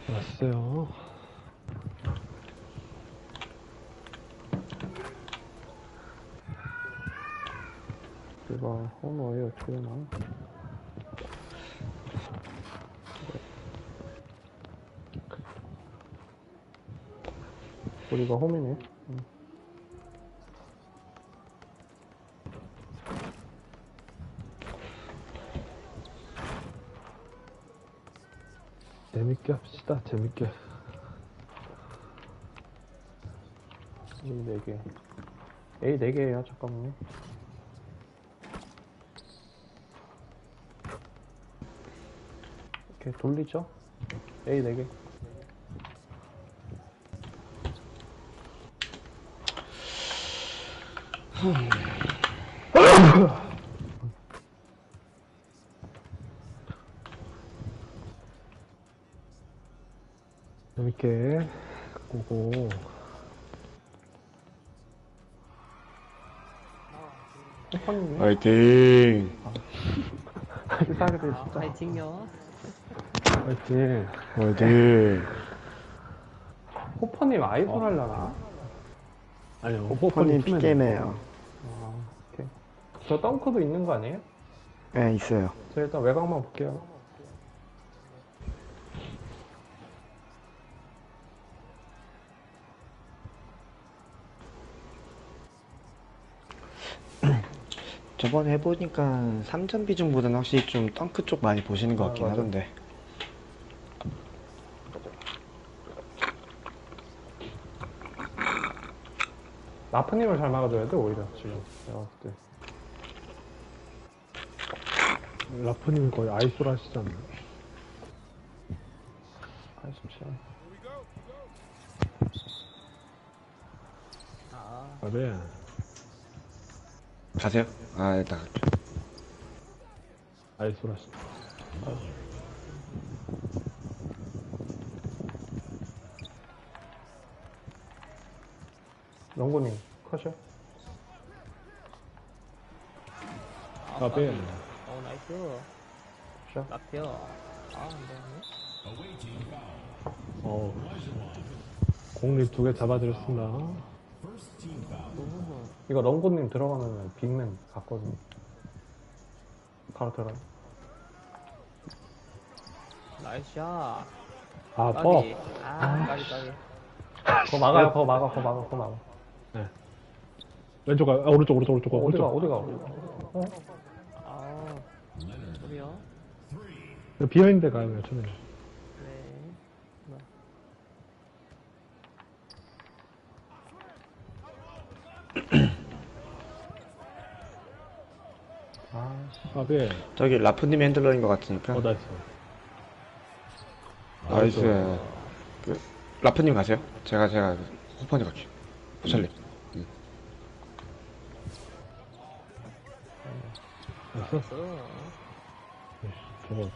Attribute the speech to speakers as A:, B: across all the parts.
A: 왔어요.
B: 이거 홈어이 어떻게 되나? 우리가 홈이네.
A: 재밌게 합시다. 재밌게.
B: A 4개. A 4개에요, 잠깐만요. 이렇게 돌리죠? A 4개.
A: 재밌게 보고.
B: 호퍼님이?
C: 화이팅!
B: 필살기들 진짜.
D: 파이팅요.
A: 화이팅.
C: 화이팅!
B: 호퍼님 아이돌 하려나?
A: 아니요.
C: 호퍼님 픽게임해요.
B: 아, 오케이. 저 덩크도 있는 거 아니에요?
C: 네, 있어요.
B: 저 일단 외곽만 볼게요.
C: 저번에 해보니까 3점 비중보다는 확실히 좀 덩크 쪽 많이 보시는 것 같긴
B: 맞아.
C: 하던데.
B: 라프님을 잘 막아줘야 돼, 오히려, 지금. 내가 봤을 때.
A: 라프님이 거의 아이솔 하시잖아요.
B: 87.
A: 아, 네.
C: 가세요? 아, 일단 갈게요.
A: 아이솔 하시죠.
B: 롱고님, 컷이요?
A: 아, 네.
D: 나이스.
B: 샷.
D: 앞이요. 안 되네.
A: 공립 2개 잡아드렸습니다.
B: 이거 롱고님 들어가면 빅맨 갔거든요. 바로 들어가요.
D: 나이스 샷.
A: 아,
D: 까비.
A: 뻑.
D: 까비.
B: 그거 막아요, 그거 막아, 그거 막아, 그거 막아.
A: 왼쪽, 오른쪽, 오른쪽, 오른쪽.
B: 어디가,
A: 오른쪽.
B: 어디가.
D: 소리요.
A: 비어있는데 가요, 처음에.
D: 네.
A: 아, 네.
C: 저기 라프님이 핸들러인 것 같으니까.
A: 나이스.
C: 나이스. 그, 라프님 가세요. 제가 호퍼님 갈게요. 부찰님.
A: 나이스. 저거.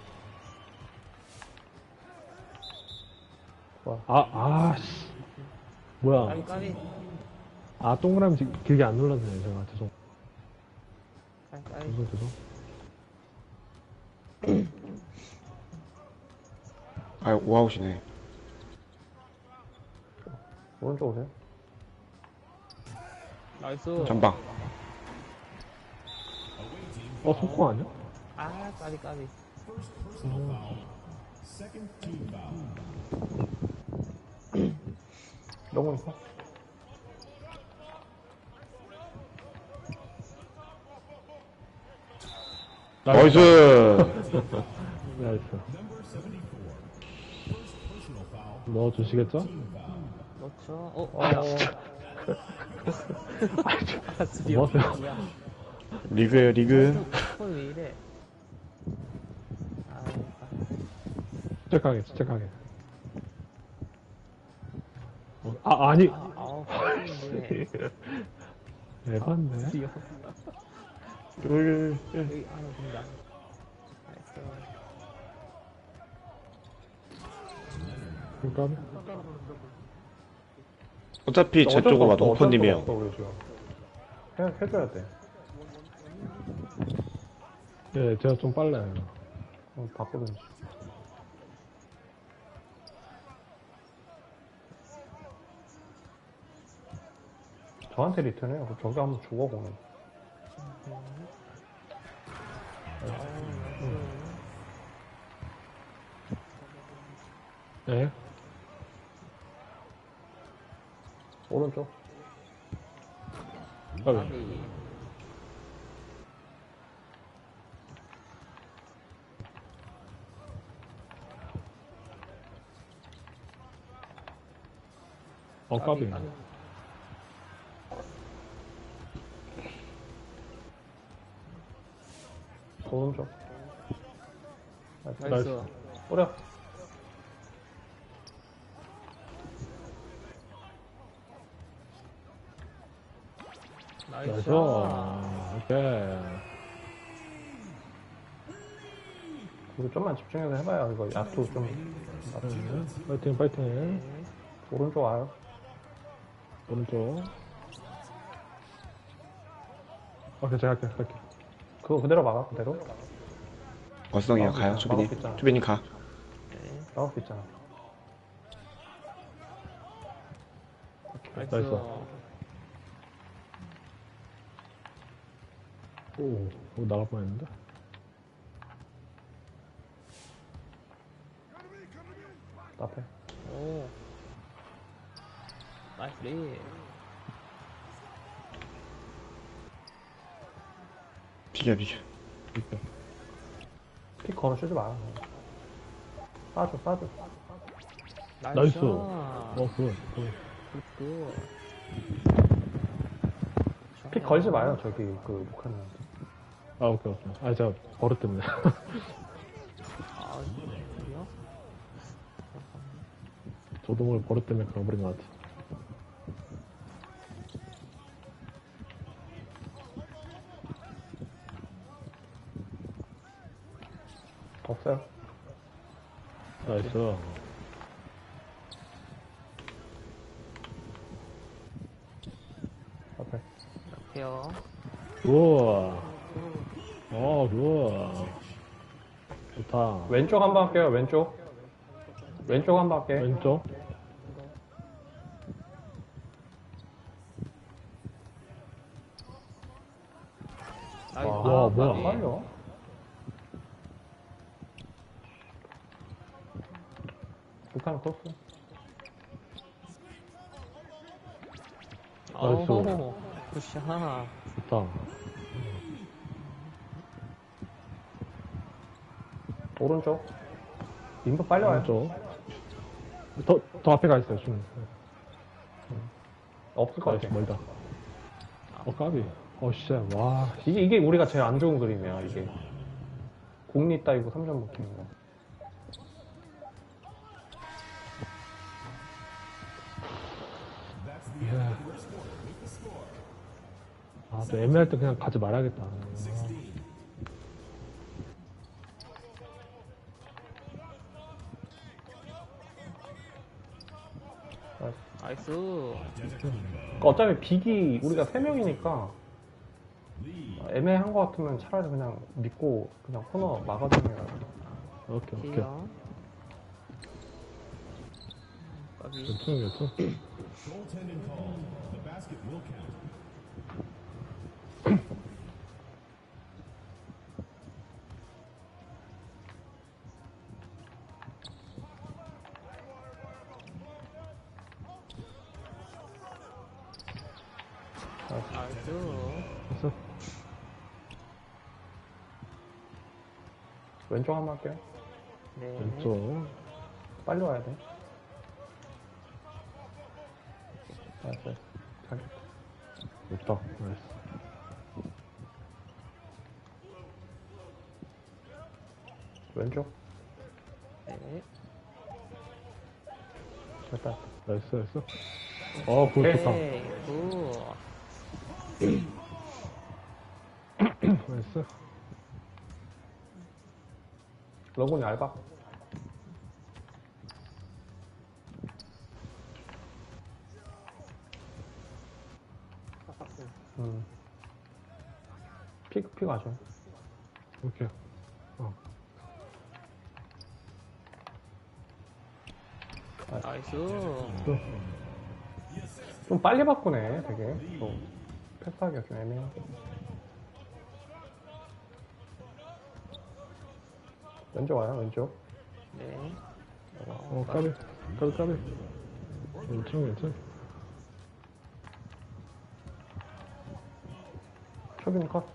A: 씨. 뭐야.
D: 까비.
A: 아, 동그라미 길게 안 눌렀네, 제가. 죄송.
D: 까비.
A: 죄송.
C: 아, 오아웃이네.
B: 오른쪽 오세요.
D: 나이스.
C: 전방.
A: 속공 아니야?
D: 까비.
B: 롱고님 컷.
C: 나이스!
A: 나이스. 넣어주시겠죠?
D: 그렇죠.
A: 뭐 하세요?
C: 리그에요, 리그.
D: 왜 이래?
A: 침착하게. 아니.
D: 뭐해?
A: 에반데?
D: 귀여워. 여기 안에 든다. 나이스.
A: 그러니까
C: 어차피 제 쪽으로 와도
B: 어쩔 수가
C: 호퍼님이에요.
B: 없어, 우리 지금. 해줘야 돼.
A: 예, 제가 좀 빨라요.
B: 바꾸든지. 저한테 리턴해요. 그럼 저기 한번 죽어, 공을.
A: 네.
B: 오른쪽.
A: 까비.
D: 까비.
A: 까비.
B: 오른쪽.
D: 나이스.
B: 뿌려.
D: 나이스.
A: 나이스. 오케이.
B: 우리 좀만 집중해서 해봐요. 이거 야투 좀.
A: 네. 파이팅, 파이팅.
D: 네.
B: 오른쪽 와요.
A: 오른쪽. 오케이, 제가 할게.
B: 그거 그대로 막아, 그대로.
C: 어성이요. 가요.
B: 나올
C: 조비님.
B: 수 있잖아.
C: 조비님 가.
D: 네.
B: 나올 수 있잖아.
D: 나이스.
A: 나이스. 오, 나갈 뻔했는데.
B: 앞에.
D: 오. 나이스 리.
C: 비겨.
A: 이렇게.
B: 픽 걸어 쓰지 마. 빠져.
A: 나이스.
D: 굿.
A: 굿.
D: 굿.
B: 픽 걸지 마요, 저기, 그, 북한한테.
A: 오케이. 제가 버릇 때문에.
D: 아, 그래요?
A: 저도 모르게 버릇 때문에 그런 것 같아.
B: 없어요.
A: 나이스.
B: 앞에.
D: 옆에요.
A: 우와. 우와. 좋다.
B: 왼쪽 한 번 할게요, 왼쪽. 왼쪽 한 번 할게.
A: 왼쪽.
D: 나이스.
A: 와, 뭐야.
D: 까비.
B: 빨려. 북한 코스.
A: 나이스.
D: 오, 굿샷.
A: 좋다.
B: 오른쪽. 인도 빨리 와요.
A: 왼쪽. 더 앞에 가 있어요, 지금.
B: 없을 것
A: 나이스,
B: 같아.
A: 멀다. 까비. 씨, 와.
B: 이게 우리가 제일 안 좋은 그림이야, 이게. 공리 따이고 3점 먹히는 거.
A: 또 애매할 때 그냥 가지 말아야겠다.
D: 나이스.
B: 그러니까 어차피 빅이 우리가 3명이니까 애매한 거 같으면 차라리 그냥 믿고 그냥 코너 막아주는 게 나아.
A: 오케이.
D: 오케이요. 까비.
A: 괜찮.
D: 나이스.
A: 됐어.
B: 왼쪽 한번 할게요.
D: 네.
A: 왼쪽.
B: 빨리 와야 돼. 알았어요. 잘.
A: 됐다. 나이스.
B: 왼쪽.
D: 네.
B: 됐다.
A: 나이스. 굿, 좋다.
D: 오케이. 굿.
A: 나이스.
B: 러곤이 얇아. 픽 하죠.
A: 오케이.
D: 나이스.
A: 또.
B: 좀 빨리 바꾸네, 되게. 또, 패스하기가 좀 애매해. 왼쪽 와요, 왼쪽.
D: 네.
A: 까비. 까비. 괜찮아.
B: 초빈 컷.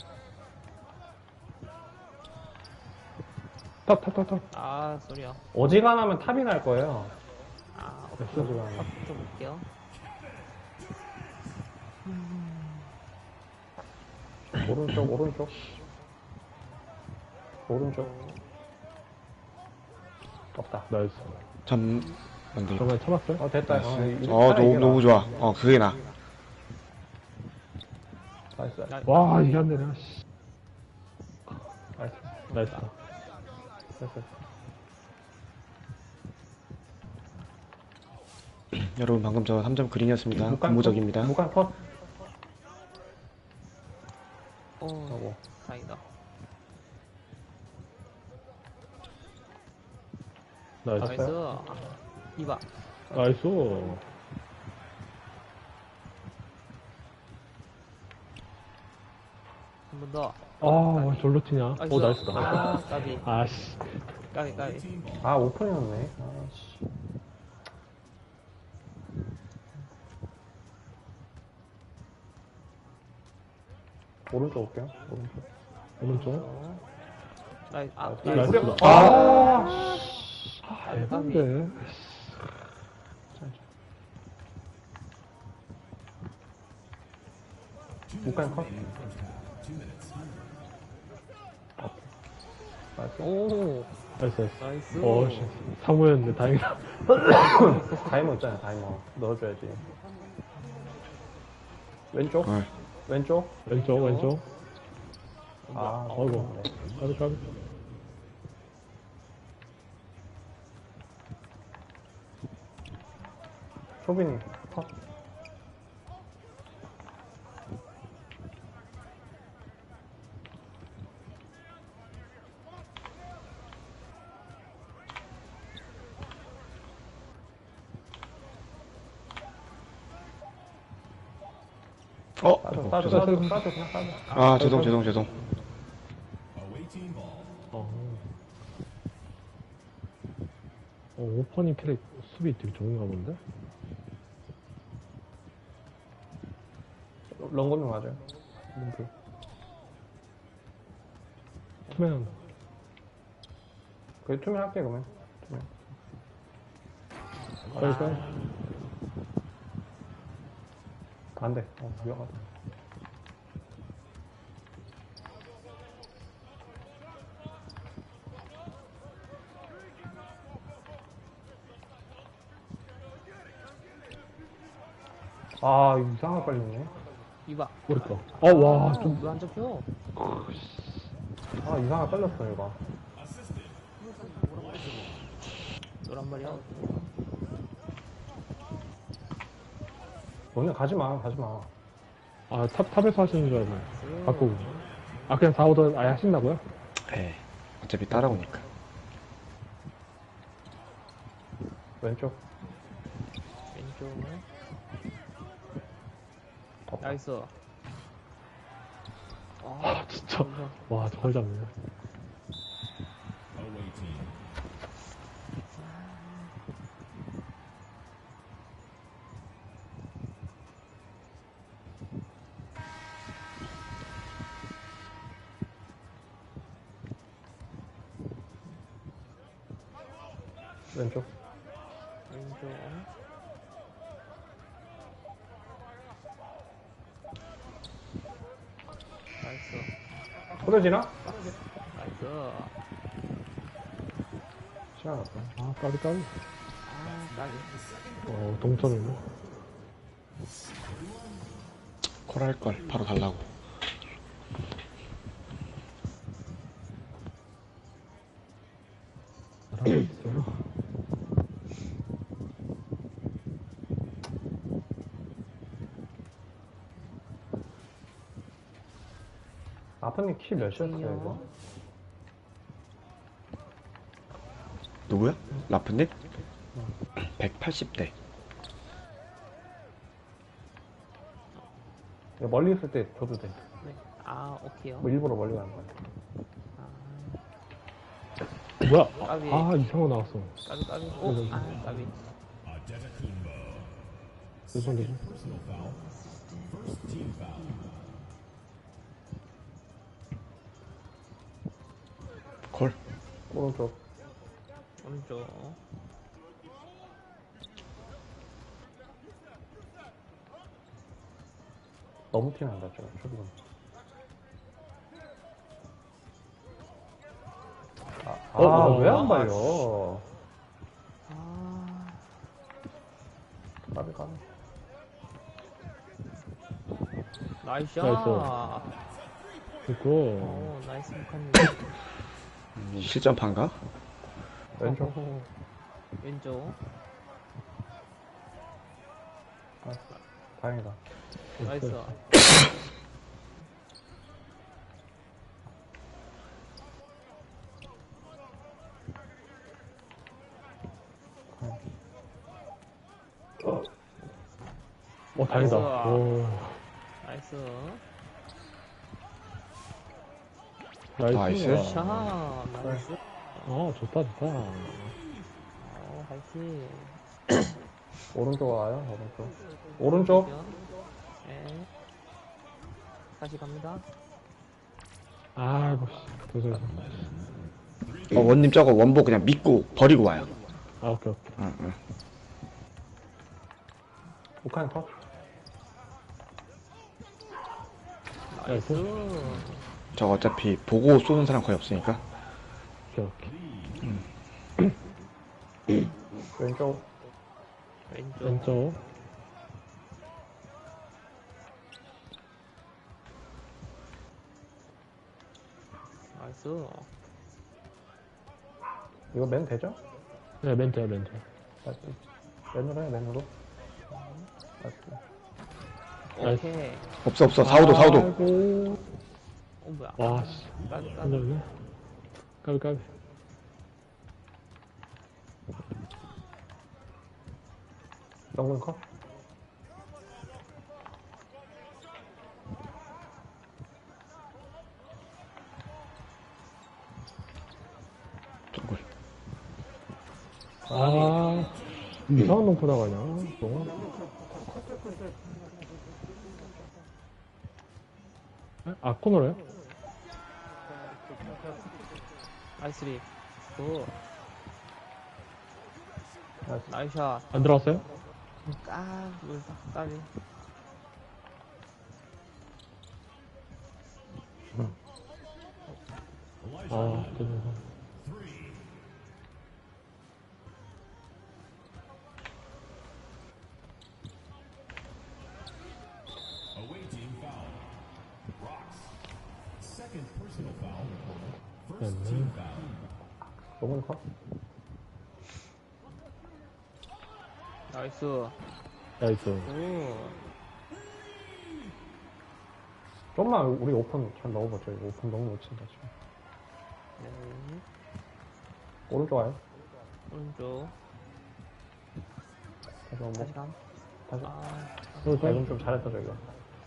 A: 탑.
D: 아, 소리야.
B: 어지간하면 탑이 날 거예요.
D: 아,
B: 어지간하면.
D: 앞부터 볼게요.
B: 오른쪽. 없다.
A: 나이스.
C: 만들.
A: 정말 참았어요?
B: 됐다.
C: 너무 좋아. 그게 나.
B: 나이스.
A: 와, 이게 안 되네. 씨. 나이스.
B: 됐어.
C: 여러분 방금 저 3점 그린이었습니다. 근무적입니다.
B: 무관 컷.
D: 오,
B: 하고.
D: 다행이다.
A: 나이스.
D: 나이스. 이봐.
A: 나이스.
D: 한 번 더.
A: 아, 절로 튀냐? 오, 나이스다.
D: 아, 까비.
A: 아씨.
D: 까비.
B: 오픈이었네. 아씨. 오른쪽 올게요.
A: 오른쪽.
D: 나이스. 아,
B: 나이스.
D: 나이스.
A: 대단데.
B: 무관 컷. 나이스.
D: 오,
A: 나이스.
D: 나이스.
A: 씨. 사무였는데 다행이다.
B: 다이머 있잖아요, 다이머. 넣어줘야지. 왼쪽?
C: 어.
B: 왼쪽?
A: 왼쪽.
B: 어이구.
A: 까비.
B: 초빈이 컷. 싸줘, 그냥 싸줘.
C: 죄송.
A: 오퍼닝 캐릭 수비 되게 좋은가 본데?
B: 런거는 맞아요. 림플.
A: 투명.
B: 그래, 투명 할게, 그러면.
A: 빨리.
B: 안 돼. 위험하다. 이상하게 빨리네.
D: 이봐.
A: 우리 거. 와, 좀.
D: 왜안 잡혀?
B: 이상하게 빨렸어, 이거.
D: 노란 말이야.
B: 너네 가지 마.
A: 탑에서 하시는 줄 알고. 바꾸고. 그냥 4, 5던 아예 하신다고요?
C: 네. 어차피 따라오니까.
B: 왼쪽.
D: 나이스.
A: 진짜. 와, 저걸 잡네.
B: 왼쪽.
D: 나이스.
B: 소려지나?
D: 나이스.
B: 시간 없다.
A: 까비.
D: 까비.
A: 동점이네.
C: 콜할걸. 바로 달라고.
A: 잘하고 있어요.
B: 아프님 키 몇이었어요, 이거?
C: 누구야? 라프님? 180대.
B: 멀리 있을 때 줘도 돼.
D: 네. 아, 오케이요.
B: 뭐 일부러 멀리 가는 거야.
D: 아,
A: 뭐야?
D: 까비.
A: 아, 이상한 거 나왔어.
D: 까비, 까비. 오, 아, 까비.
A: 죄송해요.
C: 콜.
B: 오른쪽.
D: 오른쪽.
B: 너무 티난다, 저 초기는. 왜 안 발려?
D: 아,
B: 까비, 까비.
D: 나이스.
A: 나이스. 됐고.
D: 오, 나이스 북한님.
C: 실전판가?
B: 왼쪽.
D: 오호. 왼쪽.
B: 아, 다행이다.
D: 나이스.
A: 다행이다.
D: 나이스.
A: 오.
D: 나이스.
A: 나이스.
C: 나이스.
D: 샤, 나이스.
A: 좋다, 좋다.
D: 화이팅.
B: 오른쪽 와요, 오른쪽. 오른쪽?
D: 네. 다시 갑니다.
A: 아이고, 씨. 죄송해요.
C: 원님 저거 원복 그냥 믿고 버리고 와요.
A: 아, 오케이, 오케이.
C: 응, 응.
B: 북한 컷.
D: 나이스.
C: 저거 어차피 보고 쏘는 사람 거의 없으니까.
A: 오케이, 오케이.
B: 왼쪽.
D: 왼쪽.
A: 왼쪽.
D: 나이스.
B: 이거 맨 되죠?
A: 네, 멘트야, 멘트.
B: 다시. 맨으로 해, 맨으로. 다시.
A: 나이스.
D: 오케이.
C: 없어, 없어. 4호도, 4호도.
A: 아이고.
D: 뭐야.
A: 와, 씨.
D: 까비, 까비.
A: 한점이네. 까비, 까비.
B: 정근 컷.
C: 저걸.
A: 이상한 놈 보다가냐, 또. 코너로요?
D: 나이스리. 굿.
B: 나이스.
D: 나이스 샷.
A: 안 들어왔어요?
D: 물다. 까비.
A: 죄송해요. 네.
B: 정근 컷.
D: 나이스.
A: 나이스.
D: 오.
B: 좀만 우리 오픈 잘 넣어보죠. 이거 오픈 너무 못 친다, 지금.
D: 네.
B: 오른쪽 와요.
D: 오른쪽.
B: 다시 한 번.
D: 다시 감.
B: 다시.
A: 그래서
B: 이건 좀 잘했다, 저희가.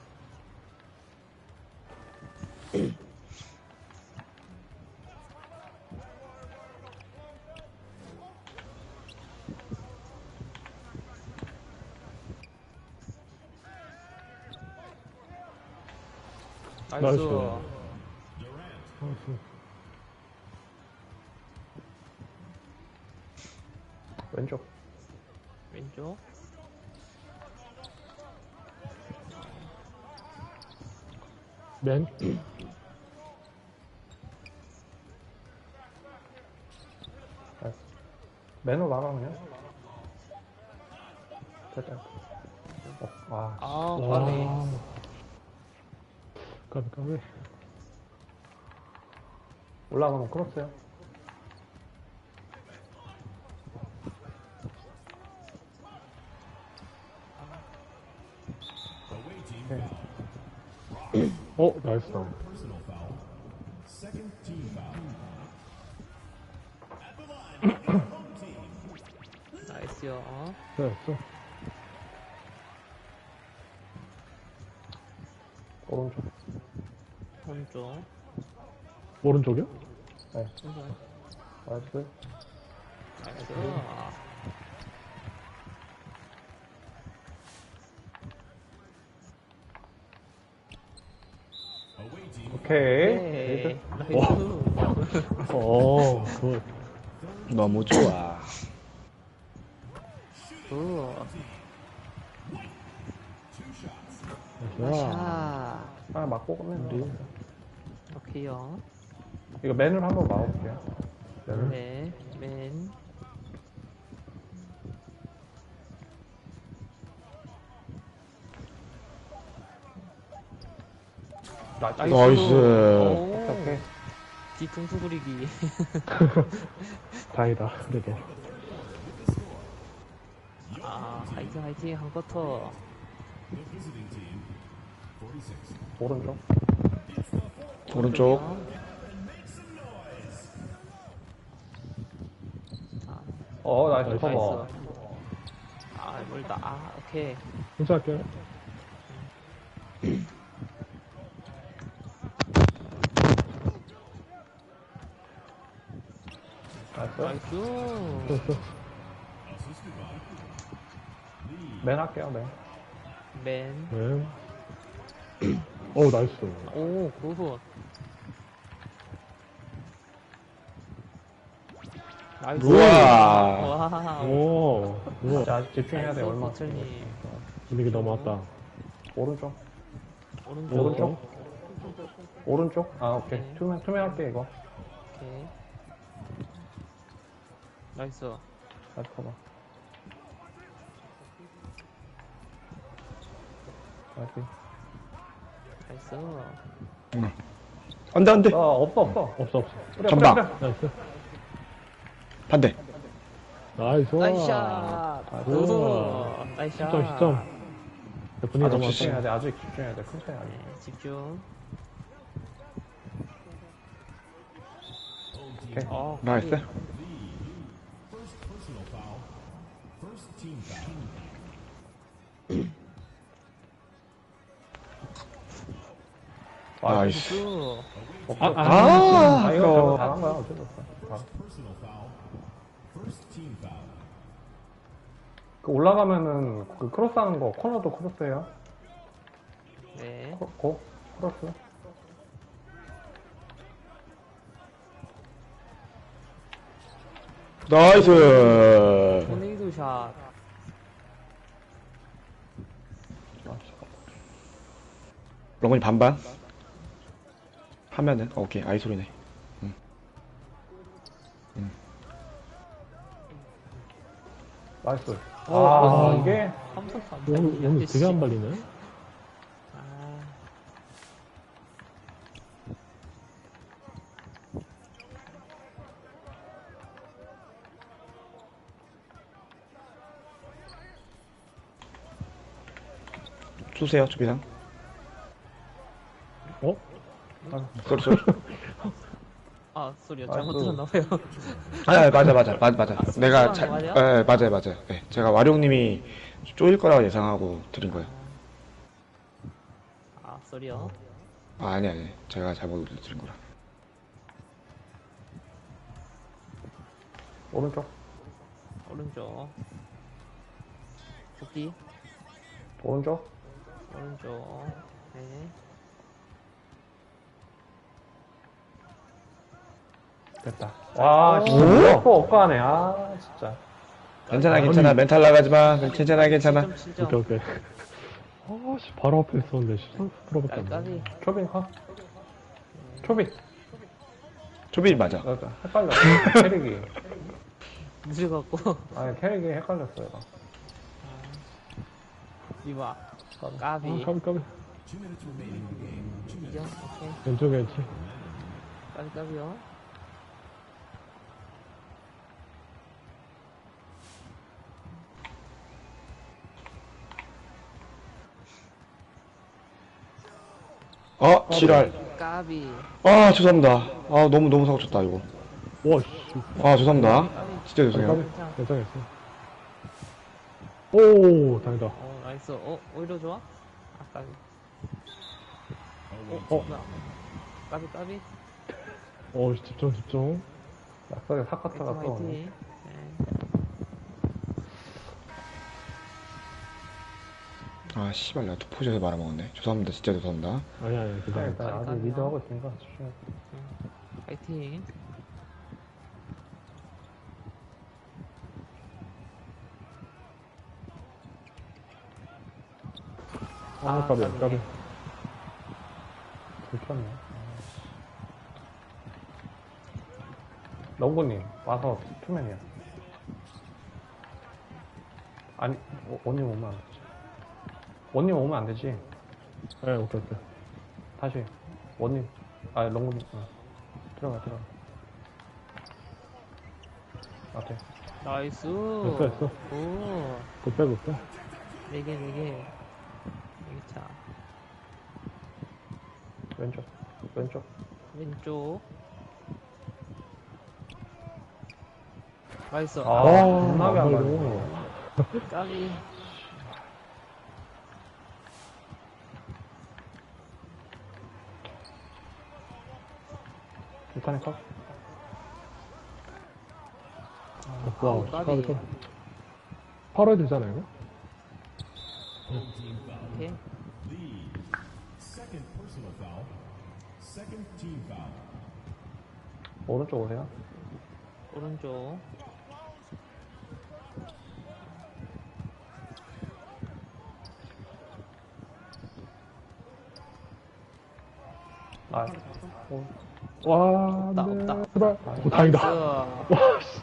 D: 나이스.
A: 나이스.
B: 왼쪽.
D: 왼쪽.
A: 맨.
B: 나이스. 맨으로 나가, 그냥. 됐다. 와.
D: 아, 까비.
A: 까비, 까비.
B: 올라가면 크로스요.
A: 나이스.
D: 나이스요.
A: 됐어.
B: 오른쪽.
D: 오른쪽.
A: 오른쪽이요?
D: 오른쪽.
B: 나이스.
D: 나이스.
B: 오케이.
D: 네.
B: 나이스.
D: 나이스.
A: 굿.
C: 너무 좋아.
D: 굿.
A: 좋아.
D: 샷.
B: 하나 맞고 끝내면 돼.
D: 오케이요.
B: 이거 맨을 한번 막아볼게요. 맨을.
D: 네. 맨.
C: 나이스.
D: 오.
B: 오케이.
D: 뒤통수 부리기.
A: 다행이다. 그래도.
D: 아, 화이팅, 화이팅. 한 쿼터.
B: 오른쪽.
C: 오른쪽.
B: 나이스
D: 나이스.
B: 커버.
D: 아, 멀다. 아, 오케이.
A: 혼자 할게요.
B: 나이스.
D: 나이스.
A: 됐어.
B: 맨 할게요, 맨.
D: 맨.
A: 네. 오, 나이스.
D: 오, 굿. 나이스.
C: 우와.
D: 와우.
A: 오, 우와.
B: 자, 아직 집중해야 돼, 얼마.
D: 천천히.
A: 분위기 너무 왔다.
B: 오른쪽.
D: 오른쪽.
B: 오른쪽. 오른쪽. 아, 오케이.
D: 네.
B: 투명 할게, 이거.
D: 오케이. 나이스.
B: 나이스 커버. 나이스.
D: 나이스.
C: 안 돼, 안 돼.
B: 없어.
A: 없어.
B: 뿌려,
C: 전방.
B: 뿌려, 뿌려.
A: 나이스.
C: 반대.
A: 나이스.
D: 나이스 샷.
A: 우와.
D: 나이스 샷.
A: 10점. 분위기
B: 아직
A: 너무
B: 집중해야
A: 왔다.
B: 돼, 아직 집중해야 돼. 큰 차이 아니야.
D: 네, 집중.
B: 오케이.
C: 나이스. 나이스.
D: 나이스.
B: 아, 이거
C: 아까워.
B: 잘한 거야, 어쩔 수 없어. 그 올라가면은 그 크로스 하는 거, 코너도 크로스예요.
D: 네.
B: 크로스.
C: 나이스.
D: 토네이도 샷.
C: 롱건이 반반. 하면은, 오케이. 아이 소리네.
B: 나이스.
A: 아,
B: 이게
D: 한번도 안
A: 오늘
D: 발리네.
A: 되게 안 발리네.
D: 아,
C: 쏘세요, 조비상.
A: 어?
C: 쏘리, 쏘리.
D: 아, 소리요.
B: 아,
D: 잘못
B: 그-
D: 들었나봐요.
C: 아, 맞아. 내가
D: 쏘는 거 맞아요?
C: 예, 맞아요. 네, 제가 와룡님이 쪼일 거라고 예상하고 드린 거예요.
D: 아, 소리요.
C: 아, 아니. 제가 잘못 드린 거라.
B: 오른쪽.
D: 오른쪽. 복귀.
B: 오른쪽.
D: 오른쪽. 네.
B: 됐다. 와, 진짜
C: 오?
B: 억까네. 아, 진짜.
C: 괜찮아. 멘탈 나가지 마. 괜찮아.
D: 7점, 7점.
A: 오케이. 아씨, 바로 앞에 있었는데, 풀어봤다.
D: 깔깔이.
B: 초빈 컷. 초빈.
C: 조비 맞아.
B: 헷갈렸어. 캐릭이.
D: 늦어갖고.
B: 아니, 캐릭이 헷갈렸어, 얘가.
D: 이봐.
A: 아,
D: 까비.
A: 까비.
D: 2점. 오케이.
A: 왼쪽에 있지.
D: 까비요.
C: 지랄.
D: 까비.
C: 아, 죄송합니다. 아, 너무 사고 쳤다, 이거.
A: 와, 씨.
C: 아, 죄송합니다. 진짜
A: 까비.
C: 죄송해요.
A: 괜찮았어. 오, 다행이다.
D: 나이스. 오히려 좋아? 아, 까비. 뭐야. 까비, 까비.
A: 집중, 집중.
B: 낙석에 사카타가
D: 화이팅,
B: 또.
D: 화이팅. 네.
C: 아, 씨발, 내가 투포즈에서 말아먹었네. 죄송합니다. 진짜 죄송합니다.
A: 아니야, 괜찮아.
B: 일단 아직 리드하고 있으니까 집중해.
D: 화이팅.
A: 까비,
D: 까비.
A: 까비.
B: 불켰네. 롱구님 와서 투맨이야. 아니 원님 오면 안 되지. 원님 오면 안 되지.
A: 네, 오케이, 오케이.
B: 다시 원님 롱구님 들어가. 앞에
D: 나이스.
A: 됐어, 됐어.
D: 오.
A: 굿배, 굿배.
D: 4개, 4개. 1차.
B: 왼쪽
D: 왼쪽. 나이스.
B: 아, 겁나게 안 가지고.
D: 까비.
B: 일단에 컷.
A: 와,
D: 까비.
A: 까비. 8월 되잖아, 이거?
D: 오케이.
B: 오른쪽 오세요.
D: 오른쪽.
B: 아,
A: 와,
D: 없다,
A: 네.
D: 없다.
A: 제발. 오, 다행이다.
D: 나이스.
A: 와, 씨.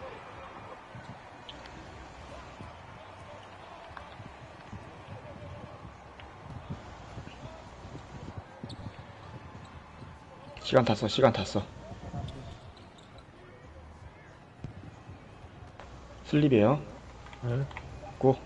C: 시간 탔어, 시간 탔어. 슬립이에요.
A: 네.
C: 고.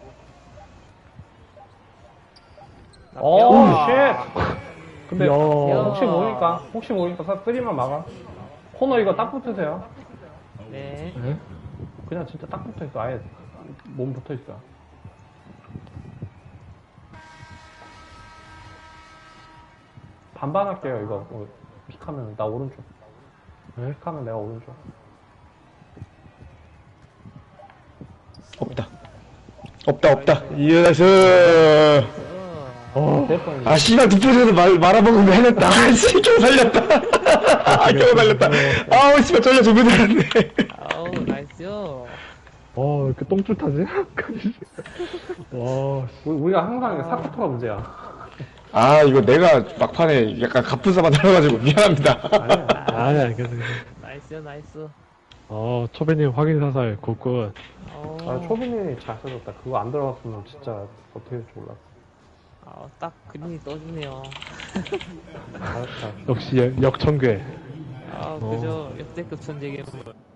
B: 오, 쉣! 근데
A: 야.
B: 혹시 모르니까 쓰리만 막아. 코너 이거 딱 붙으세요.
D: 네.
A: 네.
B: 그냥 진짜 딱 붙어있어. 아예 몸 붙어있어. 반반 할게요, 이거. 픽하면 나 오른쪽.
A: 네.
B: 픽하면 내가 오른쪽.
C: 없다. 없다. 예, 나이스.
B: 대포는
C: 아, 씨발, 투포즈에서 말아먹으면 해냈다. 아, 씨, 겨우 살렸다. 아, 겨우 살렸다. 아우, 씨발, 쫄려 죽을 줄 알았네.
D: 아우, 나이스요.
A: 이렇게 똥줄 타지? 와, 씨.
B: 우리가 항상 사쿠토가 문제야.
C: 아, 이거 내가 막판에 약간 가뿐싸만 달아가지고 미안합니다.
B: 아니야.
A: 아니야, 괜찮아.
D: 나이스요, 나이스.
A: 초배님 확인 사살, 굿굿.
B: 초빈이 잘 써줬다. 그거 안 들어갔으면 진짜 어떻게 될지 몰랐어.
D: 딱 그림이 떠주네요.
B: 잘했다.
A: 역시 역청괴.
D: 그죠. 역대급 천재계물.